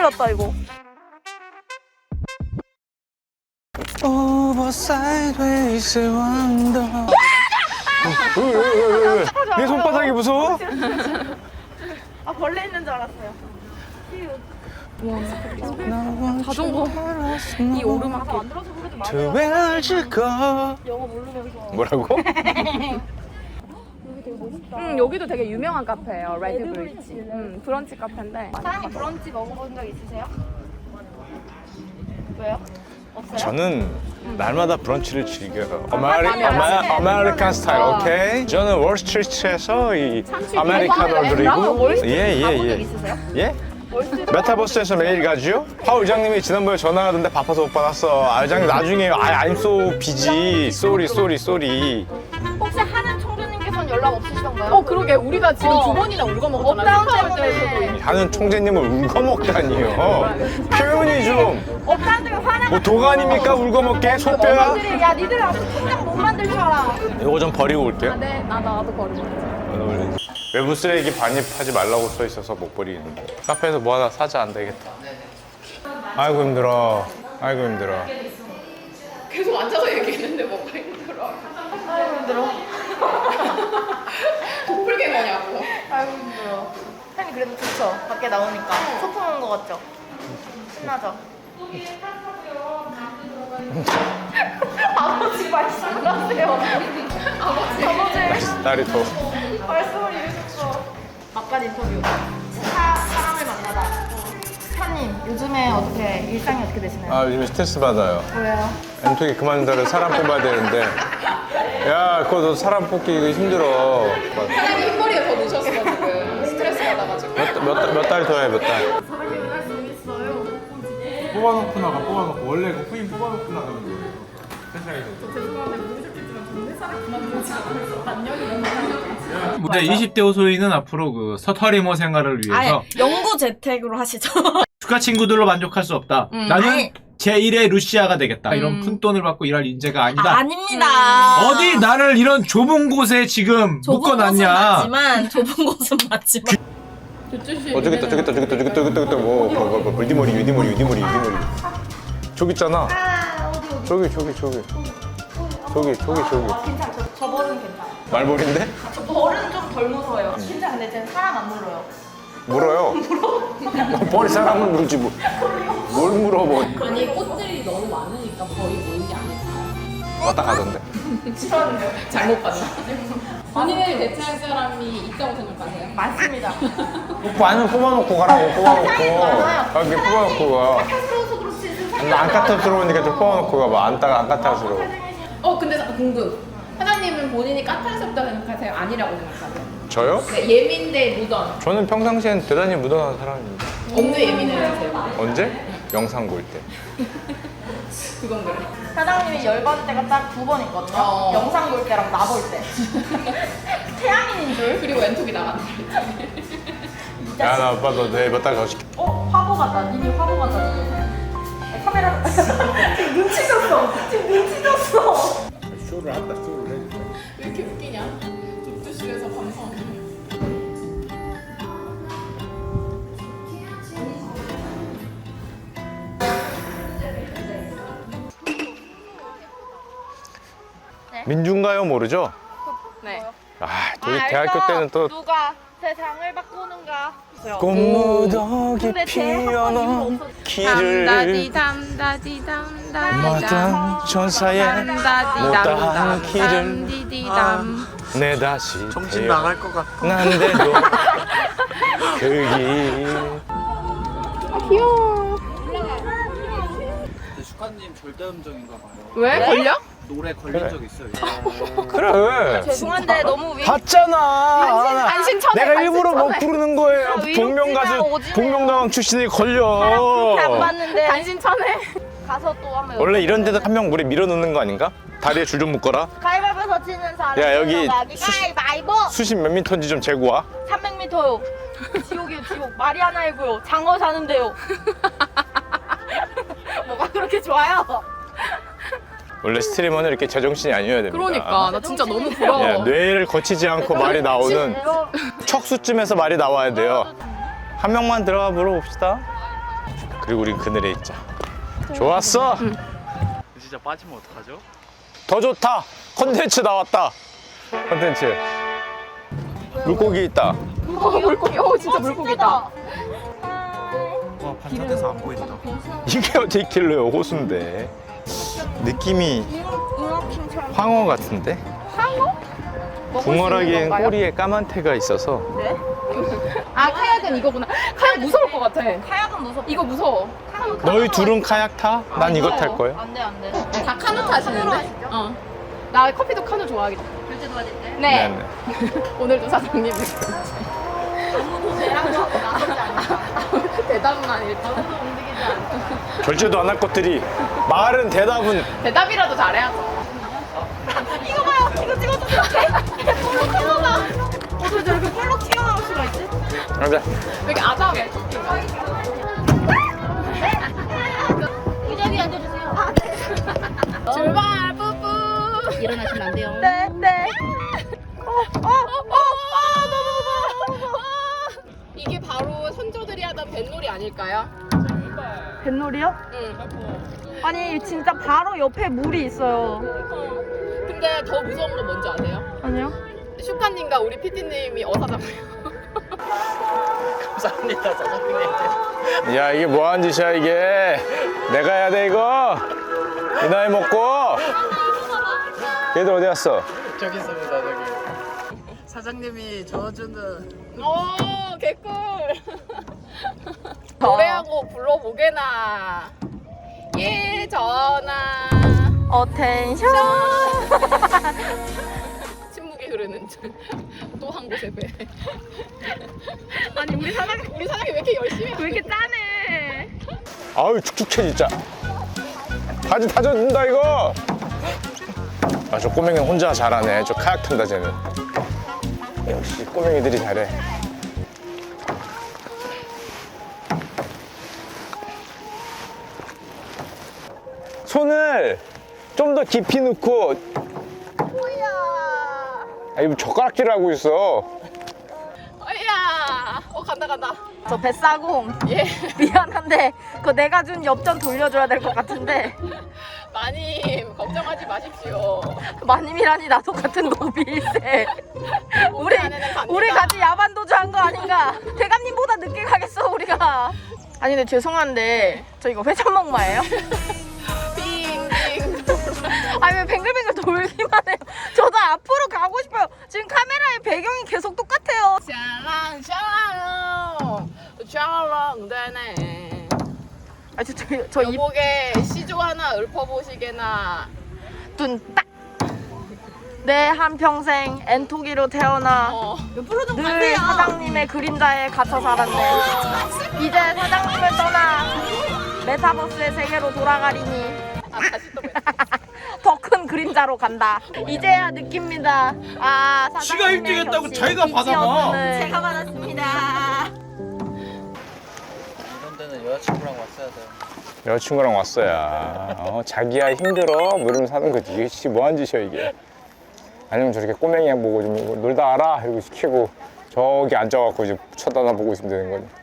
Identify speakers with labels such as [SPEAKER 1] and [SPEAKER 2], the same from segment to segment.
[SPEAKER 1] 큰일 났다 이거.
[SPEAKER 2] 오버사이드웨이스 원더. 왜 손바닥이 무서워?
[SPEAKER 1] 아 벌레 있는 줄 알았어요.
[SPEAKER 3] 자전거 이 오르막길.
[SPEAKER 1] 안 들어서 그러지 마.
[SPEAKER 2] 투웰즈거.
[SPEAKER 1] 영어 모르면서.
[SPEAKER 2] 뭐라고?
[SPEAKER 3] 여기도 되게 유명한 카페예요. 레드 브릿지. 브런치 카페인데.
[SPEAKER 1] 사장님 브런치 먹어본 적 있으세요? 왜요? 없어요?
[SPEAKER 2] 저는 날마다 브런치를 즐겨요. 아메리칸 스타일, 오케이? 저는 월스트리트에서 이 아메리카노를 드리고
[SPEAKER 1] 가본 적
[SPEAKER 2] 예예예.
[SPEAKER 1] 있으세요?
[SPEAKER 2] 예? 메타버스에서 매일 가죠? 하 의장님이 지난번에 전화하던데 바빠서 못 받았어. 아 의장님 나중에 I'm so busy. sorry.
[SPEAKER 1] 혹시 하는 총재님께서는 연락 없으시던가요?
[SPEAKER 3] 그러게 우리가 지금 두 번이나 울고 먹었잖아.
[SPEAKER 1] 업다운 때문에.
[SPEAKER 2] 하는 총재님을 울거먹다니요. 표현이 좀.
[SPEAKER 1] 업다운 때문에 화나가.
[SPEAKER 2] 뭐 도가니입니까 울거먹게? 소뼈야?
[SPEAKER 1] 야 니들 아직 통장 못 만들 줄 알아.
[SPEAKER 2] 이거 좀 버리고 올게요.
[SPEAKER 3] 네, 나도 버리고.
[SPEAKER 2] 외부 쓰레기 반입하지 말라고 써 있어서 못 버리는데. 카페에서 뭐 하나 사자 안 되겠다. 아이고 힘들어.
[SPEAKER 3] 계속 앉아서 얘기했는데 뭐가 힘들어.
[SPEAKER 1] 아이고 힘들어.
[SPEAKER 3] 도플갱어냐고.
[SPEAKER 1] 아이고 힘들어. 형님 그래도 좋죠? 밖에 나오니까 소풍 온 거 같죠? 신나죠? 아버지 말씀하세요. 아버지
[SPEAKER 2] 딸이 더.
[SPEAKER 1] 말씀을 이러셨어. 막간 인터뷰. 사람을 만나다. 사장님 요즘에 어떻게 일상이 어떻게 되시나요?
[SPEAKER 2] 아 요즘에 스트레스 받아요.
[SPEAKER 1] 왜요?
[SPEAKER 2] 엠톡이 그만둬라 사람 뽑아야 되는데. 야 그거 너 사람 뽑기 이거 힘들어.
[SPEAKER 3] 사장님 흰머리에 더 넣으셨어 지금. 스트레스 받아가지고.
[SPEAKER 2] 몇 달 더 해 몇 달.
[SPEAKER 1] 사장님 말씀있어요.
[SPEAKER 4] 뽑아놓고 나가 뽑아놓고 원래 그 후임 뽑아놓고 나가는 거예요 회사에서.
[SPEAKER 5] 네, 20대 호소인은 앞으로 그 서터리머 생활을 위해서
[SPEAKER 6] 영구 재택으로 하시죠.
[SPEAKER 5] 축하 친구들로 만족할 수 없다. 나는
[SPEAKER 6] 아니.
[SPEAKER 5] 제1의 루시아가 되겠다. 이런 큰 돈을 받고 일할 인재가 아니다.
[SPEAKER 6] 아닙니다.
[SPEAKER 5] 어디 나를 이런 좁은 곳에 지금
[SPEAKER 6] 좁은 곳은
[SPEAKER 5] 묶어놨냐.
[SPEAKER 6] 맞지만 좁은 곳은 맞지만
[SPEAKER 2] 저기 있다 뭐 물디머리 저기 있잖아. 저기
[SPEAKER 1] 괜찮아. 저 벌은 괜찮아.
[SPEAKER 2] 말벌인데?
[SPEAKER 1] 저 벌은 좀 덜 무서워요. 진짜 근데 쟤는 사람 안 물어요.
[SPEAKER 2] 물어요. 벌이 사람을 물지 뭐. 뭘 물어 뭐.
[SPEAKER 3] 아니 꽃들이 너무 많으니까 벌이 모이지 않을까.
[SPEAKER 2] 왔다 가던데.
[SPEAKER 3] 잘못 봤나? 본인을 대체할 사람이 있다고 생각하세요?
[SPEAKER 1] 맞습니다.
[SPEAKER 2] 아니면 뽑아놓고 가라고
[SPEAKER 1] 맞아요.
[SPEAKER 2] 여기 뽑아놓고 가.
[SPEAKER 1] 카스러워서 그렇지.
[SPEAKER 2] 근데 안 까탈스러우니까 좀 뽑아놓고 가봐. 안 까탈스러워.
[SPEAKER 3] 근데 궁금. 사장님은 본인이 까탈스럽다고 생각하세요? 아니라고 생각하세요?
[SPEAKER 2] 저요?
[SPEAKER 3] 네, 예민대 무던.
[SPEAKER 2] 저는 평상시엔 대단히 무던한 사람입니다.
[SPEAKER 3] 언제 예민해지세요?
[SPEAKER 2] 언제? 영상 볼 때.
[SPEAKER 3] 그건 그래.
[SPEAKER 1] 사장님이 열받을 때가 딱 두 번 있거든요. 영상 볼 때랑 나 볼 때. 태양인인 줄.
[SPEAKER 3] 그리고 왼쪽이 나간다.
[SPEAKER 2] 야, 나 오빠 너 내일 몇 달 더 시켜.
[SPEAKER 1] 화보 같다. 니니 화보 같다. 지금. 카메라. 지금 눈치 줬어.
[SPEAKER 4] 쇼를 한다 쇼를 해.
[SPEAKER 3] 왜 이렇게 웃기냐? 독주실에서 방송.
[SPEAKER 2] 민중가요 모르죠?
[SPEAKER 3] 네.
[SPEAKER 2] 아, 저희 대학교 때는 또
[SPEAKER 1] 누가 세상을 바꾸는가.
[SPEAKER 2] 꽃무더기 피어놓은 길을 마당 전사에 못다한 길을 내 다시
[SPEAKER 4] 정신 나갈 것 같아.
[SPEAKER 2] 난데도 그길
[SPEAKER 7] 슈카님 절대음정인가 봐요.
[SPEAKER 3] 왜? 걸려?
[SPEAKER 7] 노래 걸린 적 있어요.
[SPEAKER 2] 그래
[SPEAKER 1] 죄송한데 너무
[SPEAKER 2] 봤잖아.
[SPEAKER 3] 안신 천에.
[SPEAKER 2] 내가 일부러 못 부르는 거예요. 복면 가수
[SPEAKER 1] 오지네요.
[SPEAKER 2] 복면가왕 출신이 걸려.
[SPEAKER 1] 안 봤는데
[SPEAKER 3] 안신 천에.
[SPEAKER 1] 가서 또 한번
[SPEAKER 2] 원래 이런 데도 한 명 물에 밀어넣는 거 아닌가? 다리에 줄 좀 묶어라.
[SPEAKER 1] 가위바위보에서 치는 사람.
[SPEAKER 2] 야, 여기
[SPEAKER 1] 가위바위보.
[SPEAKER 2] 수심 몇 미터인지 좀 재고 와.
[SPEAKER 1] 300m요. 지옥이요 지옥. 말이 하나이고요. 장어 사는데요. 뭐가 그렇게 좋아요?
[SPEAKER 2] 원래 스트리머는 이렇게 제정신이 아니어야 됩니다.
[SPEAKER 3] 그러니까 나 진짜 너무 부러워.
[SPEAKER 2] 예, 뇌를 거치지 않고 말이 나오는 척수쯤에서 말이 나와야 돼요. 한 명만 들어가 물어봅시다. 그리고 우린 그늘에 있자. 좋았어.
[SPEAKER 7] 진짜 빠지면 어떡하죠?
[SPEAKER 2] 더 좋다. 컨텐츠 나왔다. 컨텐츠. 물고기 있다.
[SPEAKER 3] 물고기. 진짜 물고기다.
[SPEAKER 7] 와 반짝해서 안 보인다.
[SPEAKER 2] 이게 어떻게 길러요? 호수인데. 느낌이 황어 같은데?
[SPEAKER 3] 상어?
[SPEAKER 2] 붕어라기엔 꼬리에 까만 태가 있어서.
[SPEAKER 3] 아 카약은 이거구나. 카약 무서울 것 같아.
[SPEAKER 6] 카약은 무섭다.
[SPEAKER 3] 이거 무서워.
[SPEAKER 2] 너희 둘은 카약 타? 난 이거 탈 거야.
[SPEAKER 6] 안 돼, 안 돼.
[SPEAKER 3] 다 카누 타시는데? 나 커피도 카누 좋아하겠다.
[SPEAKER 6] 결제 도와줄게.
[SPEAKER 3] 네.
[SPEAKER 2] 네네.
[SPEAKER 3] 오늘도 사장님
[SPEAKER 6] 아무도 배랑도 하고 나서지 않아.
[SPEAKER 3] 대답은 아닐 듯.
[SPEAKER 6] 움직이지 않아.
[SPEAKER 2] 결제도 안 할 것들이 말은 대답은.
[SPEAKER 3] 대답이라도 잘해야죠.
[SPEAKER 6] 이거 봐요. 이거 찍어주세요. 볼록 튀어나와. 어떻게 저렇게 볼록 튀어나올 수가 있지?
[SPEAKER 2] 가자.
[SPEAKER 3] 왜 이렇게 아담해? 토끼가.
[SPEAKER 6] 이 자리에 앉아주세요.
[SPEAKER 3] 출발 뿌뿌.
[SPEAKER 6] 일어나시면 안 돼요.
[SPEAKER 3] 네. 너무 무서워. 이게 바로 선조들이 하던 뱃놀이 아닐까요?
[SPEAKER 8] 뱃놀이요?
[SPEAKER 3] 응.
[SPEAKER 8] 아니 진짜 바로 옆에 물이 있어요.
[SPEAKER 3] 근데 더 무서운 거 뭔지 아세요?
[SPEAKER 8] 아니요?
[SPEAKER 3] 슈카님과 우리 PD님이 어사잖아요.
[SPEAKER 7] 감사합니다 사장님.
[SPEAKER 2] 야, 이게 뭐 하는 짓이야, 이게. 내가 해야 돼, 이거. 이 나이 먹고. 얘들 어디 갔어?
[SPEAKER 7] 저기 있습니다 저기. 사장님이 저어주는
[SPEAKER 3] 오 개꿀. 노래하고 불러보게나. 예 전화.
[SPEAKER 8] 어텐션.
[SPEAKER 3] 침묵이 흐르는 또 한 곳에 배. 아니 우리 사장님 왜 이렇게 열심히 해?
[SPEAKER 8] 왜 이렇게 짜네?
[SPEAKER 2] 아유, 축축해, 진짜. 바지 다 젖는다, 이거. 아, 저 꼬맹이는 혼자 잘하네. 저 카약 탄다, 쟤는. 역시 꼬맹이들이 잘해. 손을 좀 더 깊이 넣고. 아, 이거 젓가락질 하고 있어.
[SPEAKER 3] 어이야. 간다.
[SPEAKER 8] 저 뱃사공.
[SPEAKER 3] 예.
[SPEAKER 8] 미안한데 그거 내가 준 엽전 돌려줘야 될 것 같은데.
[SPEAKER 3] 마님 걱정하지 마십시오.
[SPEAKER 8] 마님이라니 나도 같은 노비일세. 우리
[SPEAKER 3] 안에는 갑니다.
[SPEAKER 8] 우리 같이 야반 도주한 거 아닌가? 대감님보다 늦게 가겠어 우리가. 아니 근데 죄송한데 저 이거 회전목마예요?
[SPEAKER 3] 빙빙.
[SPEAKER 8] 아니 왜 뱅글뱅글 돌기만 해요? 저도 앞으로 가고 싶어요. 지금 카메라의 배경이 계속 똑같아요.
[SPEAKER 3] 샤랑 되네.
[SPEAKER 8] 아 저 입
[SPEAKER 3] 여보게 시조 하나 읊어보시게나.
[SPEAKER 8] 눈 딱. 내 한평생 엔토기로 태어나 늘 사장님의 그림자에 갇혀 살았네. 이제 사장님을 떠나 메타버스의 세계로 돌아가리니
[SPEAKER 3] 다시 또 봬.
[SPEAKER 8] 더 큰 그림자로 간다. 이제야 느낍니다. 아,
[SPEAKER 5] 지가
[SPEAKER 8] 사장님의
[SPEAKER 5] 1등했다고
[SPEAKER 8] 격식,
[SPEAKER 5] 자기가 받아봐.
[SPEAKER 8] 빛이었음을.
[SPEAKER 6] 제가 받았습니다.
[SPEAKER 7] 이런 데는 여자친구랑 왔어야 돼요.
[SPEAKER 2] 여자친구랑 왔어야. 자기야 힘들어? 뭐 이러면서 사는 거지. 이게 진짜 뭐 하는 짓이야, 이게. 아니면 저렇게 꼬맹이 보고 좀 놀다 와라 이러고 시키고 저기 앉아갖고 이제 쳐다보고 있으면 되는 거지.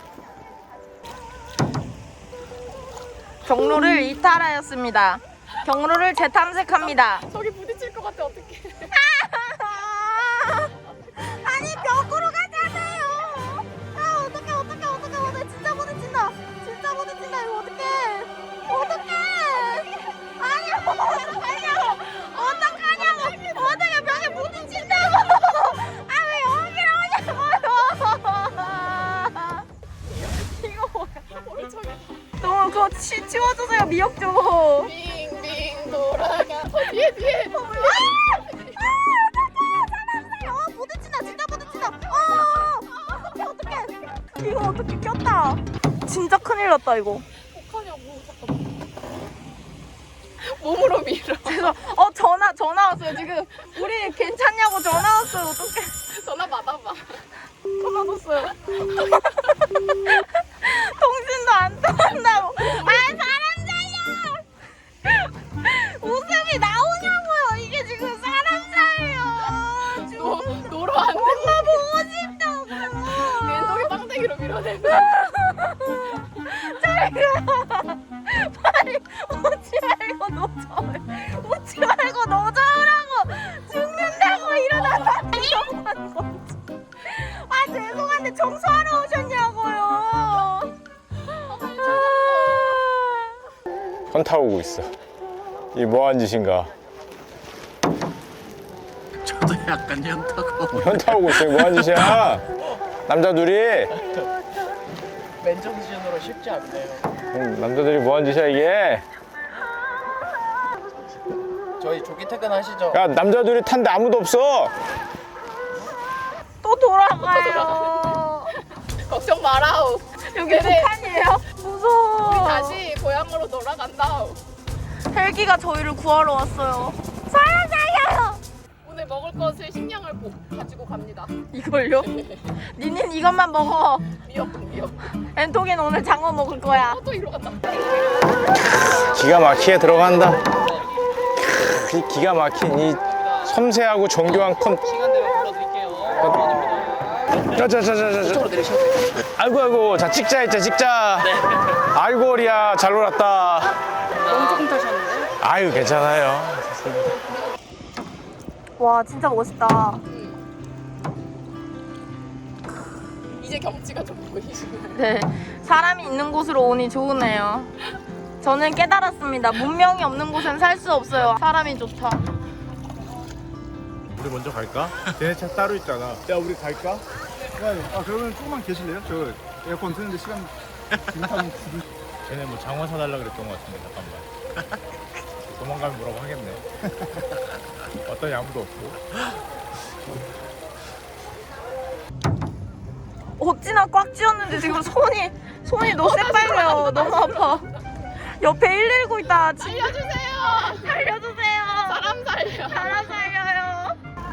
[SPEAKER 8] 경로를 이탈하였습니다. 경로를 재탐색합니다.
[SPEAKER 3] 저기 부딪힐 것 같아 어떡해.
[SPEAKER 8] 아니 벽으로 가잖아요. 아 어떡해 진짜 부딪힌다. 진짜 부딪힌다 이거 어떡해. 아니요 어떡하냐고 벽에 부딪힌다고. 아 왜 여기로 오냐고요. 이거 뭐야. 너무 그거 치워주세요 미역 좀.
[SPEAKER 3] 빙빙 돌아가. 뒤에.
[SPEAKER 8] 부딪힌다 진짜 부딪힌다. 어떡해 이거 어떻게 꼈다. 진짜 큰일 났다 이거.
[SPEAKER 3] 어떡하냐고 잠깐만. 몸으로 밀어.
[SPEAKER 8] 그래서 전화 왔어요 지금. 우리 괜찮냐고 전화 왔어요. 어떡해.
[SPEAKER 3] 전화 받아봐.
[SPEAKER 8] 전화 줬어요. 통신도 안 통한다고. 아 사람 살려. 웃음이 나오냐고요. 이게 지금 사람 살려.
[SPEAKER 3] 놀러 왔네.
[SPEAKER 8] 엄마 보고 싶다고.
[SPEAKER 3] 왼쪽에 빵댕이로 밀어내고.
[SPEAKER 8] 저희가
[SPEAKER 2] 현타 오고 있어. 이 뭐한 짓인가?
[SPEAKER 7] 저도 약간 현타고.
[SPEAKER 2] 현타 오고 있어. 뭐한 짓이야? 남자 둘이.
[SPEAKER 7] 맨정신으로 쉽지 않네요.
[SPEAKER 2] 남자들이 뭐한 짓이야 이게?
[SPEAKER 7] 저희 조기 퇴근하시죠?
[SPEAKER 2] 야 남자 둘이 탄데 아무도 없어.
[SPEAKER 8] 또 돌아가요.
[SPEAKER 3] 걱정 마라우.
[SPEAKER 8] 여기 북한이에요? 무서워.
[SPEAKER 3] 다시 고향으로 돌아간다우.
[SPEAKER 8] 헬기가 저희를 구하러 왔어요. 살려줘요.
[SPEAKER 3] 오늘 먹을 것을 식량을 가지고 갑니다.
[SPEAKER 8] 이걸요? 니는 이것만 먹어.
[SPEAKER 3] 미역.
[SPEAKER 8] 엔톡이는 오늘 장어 먹을 거야.
[SPEAKER 3] 또 이리로 간다.
[SPEAKER 2] 기가 막히게 들어간다. 이 기가 막힌 이 섬세하고 정교한
[SPEAKER 7] 시간 되면 불러드릴게요.
[SPEAKER 2] 자자자자자. 아이고 자 찍자 했자 찍자. 아이고 리야 잘 놀았다.
[SPEAKER 3] 너무 조금 타셨는데?
[SPEAKER 2] 아유 괜찮아요.
[SPEAKER 8] 와 진짜 멋있다.
[SPEAKER 3] 이제 경치가 좀 보이시네.
[SPEAKER 8] 네, 사람이 있는 곳으로 오니 좋으네요. 저는 깨달았습니다. 문명이 없는 곳엔 살 수 없어요. 사람이 좋다.
[SPEAKER 4] 우리 먼저 갈까? 쟤네 차 따로 있잖아. 야 우리 갈까? 아 그러면 조금만 계실래요? 저 에어컨 트는데 시간 지나면 쟤네 뭐 장화 사달라 그랬던 것 같은데 잠깐만. 도망가면 뭐라고 하겠네. 어떤 아무도 없고.
[SPEAKER 8] 어찌나 꽉 쥐었는데 지금 손이 너무 새빨려요. 너무 아파. 옆에 119 있다.
[SPEAKER 3] 살려주세요.
[SPEAKER 8] 살려주세요.
[SPEAKER 3] 사람 살려.
[SPEAKER 8] 사람 살려요.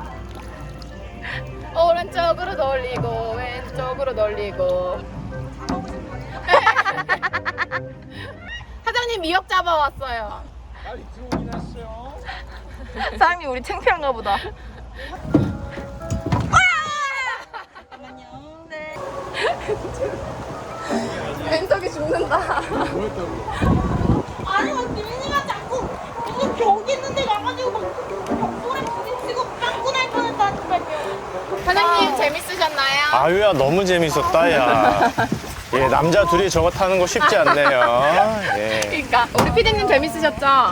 [SPEAKER 3] 오른쪽으로 돌리고 왼쪽으로 돌리고. 사장님 미역 잡아왔어요.
[SPEAKER 8] 사장님 우리 창피한가 보다.
[SPEAKER 3] 왼쪽이 죽는다.
[SPEAKER 8] 아니 막 민이가 자꾸 이거 벽 있는데 가가지고 막 벽돌에 부딪히고 빵꾸 날 뻔했다니까요.
[SPEAKER 3] 사장님 재밌으셨나요?
[SPEAKER 2] 아유야 너무 재밌었다 야. 예 남자 둘이 저거 타는 거 쉽지 않네요. 예.
[SPEAKER 3] 그러니까 우리 피디님 재밌으셨죠?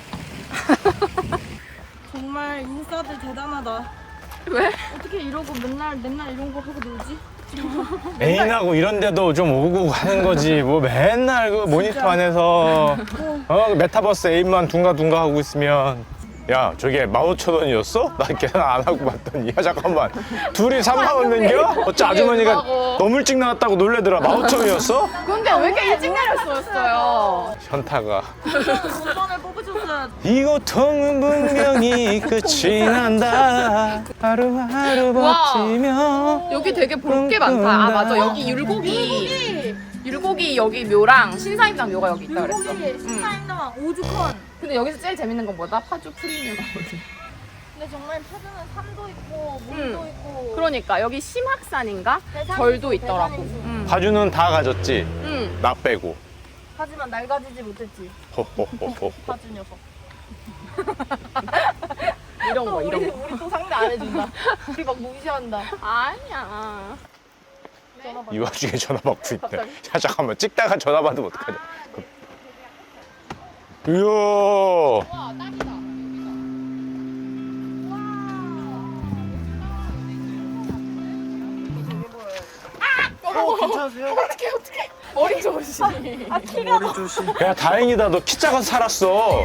[SPEAKER 8] 정말 인싸들 대단하다.
[SPEAKER 3] 왜?
[SPEAKER 8] 어떻게 이러고 맨날 이런 거 하고 놀지?
[SPEAKER 2] 애인하고 이런데도 좀 오고 가는 거지. 뭐 맨날 그 모니터 안에서 메타버스 애인만 둥가둥가 하고 있으면. 야 저게 15,000원이었어? 나 계산 안 하고 봤더니 야 잠깐만 둘이 3만 원 넘겨? 어째 아주머니가
[SPEAKER 3] 얼마고?
[SPEAKER 2] 너무 일찍 나왔다고 놀래더라. 15,000원이었어?
[SPEAKER 3] 근데 왜 이렇게 일찍 내렸어요?
[SPEAKER 2] 현타가.
[SPEAKER 8] 돈을 뽑으셨어야
[SPEAKER 2] 이 고통은 분명히 끝이 난다. 하루하루
[SPEAKER 3] 와.
[SPEAKER 2] 버티며.
[SPEAKER 3] 여기 되게 볼 게 많다. 아 맞아 여기 율곡이 여기 묘랑 신사임당 묘가 여기 있다 그랬어.
[SPEAKER 8] 신사임당 오죽헌.
[SPEAKER 3] 근데 여기서 제일 재밌는 건 뭐다? 파주 프리미엄거든.
[SPEAKER 8] 근데 정말 파주는 산도 있고 물도 있고.
[SPEAKER 3] 그러니까 여기 심학산인가?
[SPEAKER 8] 대산이죠,
[SPEAKER 3] 절도 있더라고.
[SPEAKER 8] 대산이죠.
[SPEAKER 2] 파주는 다 가졌지.
[SPEAKER 3] 응.
[SPEAKER 2] 나 빼고.
[SPEAKER 8] 하지만 날 가지지 못했지.
[SPEAKER 2] 호호호호.
[SPEAKER 8] 파주 녀석.
[SPEAKER 3] 이런 거 이런 거.
[SPEAKER 8] 우리 또 상대 안 해준다. 우리 막 무시한다.
[SPEAKER 3] 아니야.
[SPEAKER 2] 이 와중에 전화 받고 있네. 야 잠깐만 찍다가 전화 받으면 어떡하냐. 이야.
[SPEAKER 3] 와 딱이다.
[SPEAKER 7] 괜찮으세요?
[SPEAKER 3] 어떡해. 머리 좋으시니.
[SPEAKER 8] 아 키가
[SPEAKER 7] 머리 조심.
[SPEAKER 2] 야 다행이다. 너 키 작아서 살았어.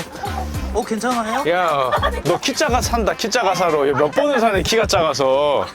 [SPEAKER 7] 괜찮아요?
[SPEAKER 2] 야 너 키 작아 산다. 키 작아 살아. 몇 번을 사네 키가 작아서.